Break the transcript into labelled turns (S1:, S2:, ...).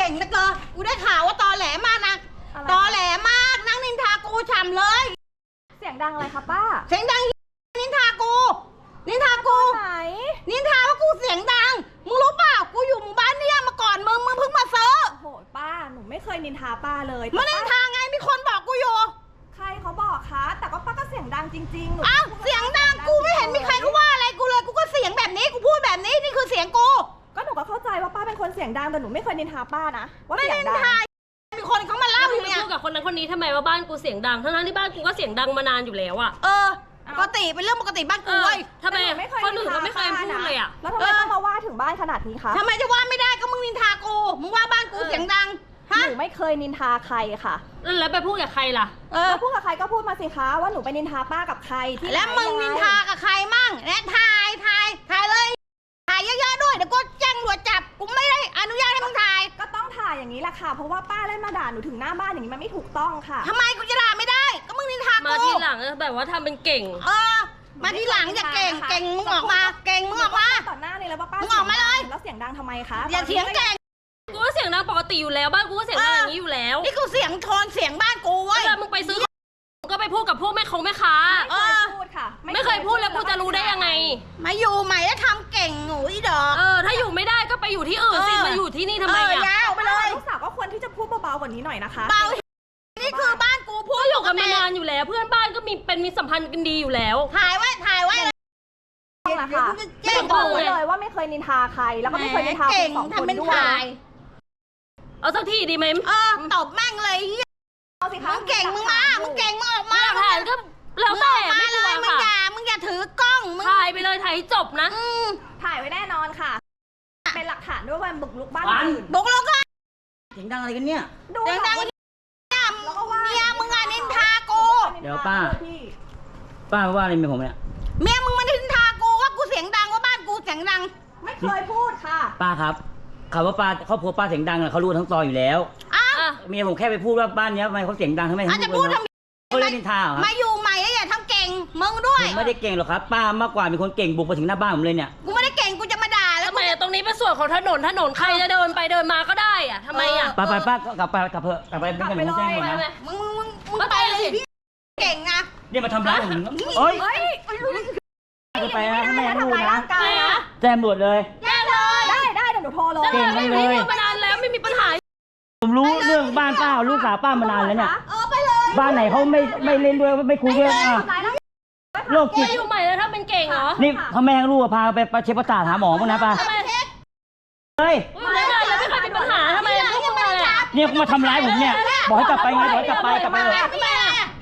S1: ก่งนะเกอกูได้ข่าวว่าตอแหลมากนะตอแหลมากนั่งนินทากูฉ่ำเลย
S2: เสียงดังอะไรคะป้า
S1: เสียงดังนินทากูนินทากู
S2: ไหน
S1: นินทาว่ากูเสียงดังมึงรู้เปล่ากูอยู่หมู่บ้านเนี่ยมาก่อนมึงเพิ่งมาเซิร์ฟ
S2: โหป้าหนูไม่เคยนินทาป้าเลย
S1: มานินทาไงมีคนบอกกูอยู่
S2: ใครเขาบอกคะแต่ก็ป้าก็เสียงดังจริงๆหนู
S1: อ้าวเสียงดังกูไม่เห็นมีใครเขาว่าอะไรกูเลยกูก็เสียงแบบนี้กูพูดแบบนี้นี่คือเสียงกู
S2: ก็หนูก็เข้าใจว่าป้าเป็นคนเสียงดังแต่หนูไม่เคยนินทาป้านะว่าเสียงดัง
S1: มีคนเขามาเล่าอยู่เนี่ย
S3: พูดกับคนนั้นคนนี้ทำไมว่าบ้านกูเสียงดังทั้งที่บ้านกูก็เสียงดังมานานอยู่แล้วอะ
S1: ปกติเป็นเรื่องปกติบ้านกูเว้ย
S3: ทำไมคนอื่นก็ไม่เคยพูดเลยอะ
S2: แล้วทำไมต้องมาว่าถึงบ้านขนาดนี้คะ
S1: ทำไมจะว่าไม่ได้ก็มึงนินทากูมึงว่าบ้านกูเสียงดัง
S2: หนูไม่เคยนินทาใครค่ะ
S3: แล้วไปพูดกับใครล่ะ
S2: แล้วพูดกับใครก็พูดมาสิคะว่าหนูไปนินทาป้ากับใครที่
S1: แล้วมึงนินทากับใครมั่งและถ่ายเลยถ่ายเยอะๆด้วยเดี๋ยวกูแจ้งตำรวจจับกูไม่ได้อนุญาตให้มึงถ่าย
S2: ก็ต้องถ่ายอย่างนี้แหละค่ะเพราะว่าป้าเล่นมาด่าหนูถึงหน้าบ้านอย่างนี้มันไม่ถูกต้องค่ะ
S1: ทำไมกูจะด่าไม่ได้ก็มึงนินทากู
S3: มาทีหลังแบบว่าทำเป็นเก่ง
S1: มาทีหลังอย่าเก่งมึงออกมาเก่งมึงออกมา
S2: ต่อหน้าเลยแล้วว่าป้า
S1: มึงออกมาเลย
S2: แล้วเสียงดังทำไมคะ
S1: อย่าเสียงเก่ง
S3: กูก็เสียงดังปกติอยู่แล้วบ้านกูก็เสียงดังอย่างนี้อยู่แล้ว
S1: นี่กูเสียงโทนเสียงบ้านกูเว้ย
S3: มึงไปซื้อก็ไปพูดกับพวกแม่ค้า
S2: ไม่เคยพูดค่ะ
S3: ไม่เคยพูดแล้วกูจะรู้ได้ยังไง
S1: มาอยู่ใหม่แล้วทำเก่งหนูอีดอก
S3: ถ้าอยู่ไม่ได้ก็ไปอยู่ที่อื่นสิมาอยู่ที่นี่ทำไม
S1: ยาวไปเลย
S2: ลูกสาวก็ควรที่จะพูดเบาๆกว่านี้หน่อยนะคะ
S1: เบานี่คือบ้านกูพูด
S3: อยู่กันมานานอยู่แล้วเพื่อนบ้านก็มีสัมพันธ์กันดีอยู่แล้ว
S1: ถ่ายไว้
S2: นะคะไม่บอกเลยว่าไม่เคยนินทาใครแล้วก็ไม่เคยนินทาคนสองคนด้วย
S3: เอาสักทีดีไหม
S1: ตบแม่งเลย
S2: เอาสิคะ
S1: มึงเก่งมึงมามึงเก่งมึงออกมา
S3: ถ่ายก็แล้วแต่ไม่กลัว
S1: ค่ะมึงอย่าถือกล้อง
S3: ถ่ายไปเลยถ่ายจบนะ
S2: ถ่ายไว้แน่นอนค่ะเป็นหลักฐานด้วยว่าบุกรุกบ้านอื่น
S1: บุกรุกก็
S4: เสียงดังอะไรกันเนี่ย
S1: เสียงดังเมียมึงนินทากู
S4: เดี๋ยวป้าว่าอะไรเมียผมเนี่ย
S1: เมียมึงมานินทากูว่ากูเสียงดังว่าบ้านกูเสียงดัง
S2: ไม่เคยพูดค่ะ
S4: ป้าครับคำว่าป้าครอบครัวป้าเสียงดังเขารู้ทั้งซอยอยู่แล้วเมียผมแค่ไปพูดว่าบ้านนี้ทำไมเขาเสียงดังทำไม
S1: เขาพูด
S4: เขาเล่นนินทาเหรอ
S1: มาอยู่ใหม่แล้วอย่าทำเก่งมึงด้วย
S4: ผมไม่ได้เก่งหรอกครับป้ามากกว่ามีคนเก่งบุกมาถึงหน้าบ้านผมเลยเนี่ย
S1: กูไม่ได้เก่งกูจะมาด่าแล้ว
S3: ทำไมตรงนี้เป็นส่วนของถนนใครจะเดินไปเดินมาก็ได้อะทำไมอะ
S4: ป้ากลับไปเป็นกันผมแจ้งหมดนะ
S1: มึงไปเลยพี่เก่งนะ
S4: เนี่ยมาทำร้ายผมโอ๊ยจะไปนะไม่รู้นะแจ้งตำรวจเลย
S2: ได้เดี๋ยวหนูโทรเลย
S4: เก่งเลย
S3: มานานแล้วไม่มีปัญหา
S4: ผมรู้เรื่องบ้านป้าลูกสาวป้ามานานแล้วเนี่ยบ้านไหนเขาไม่เล่นด้วยไม่คุยด้วยโรคจิต
S3: อยู่ใหม่แล้วถ้าเป็นเก่งเหรอ
S4: นี่พ่อแม่ลูกพาไปเช็คประสาทหาหมอมั้งนะป้าเฮ้ย
S3: ไม่เคยมีปัญหาทำไม
S4: เนี่ยมาทำร้ายผมเนี่ยบอกให้กลับไปไงบอกให้กลับไปเลย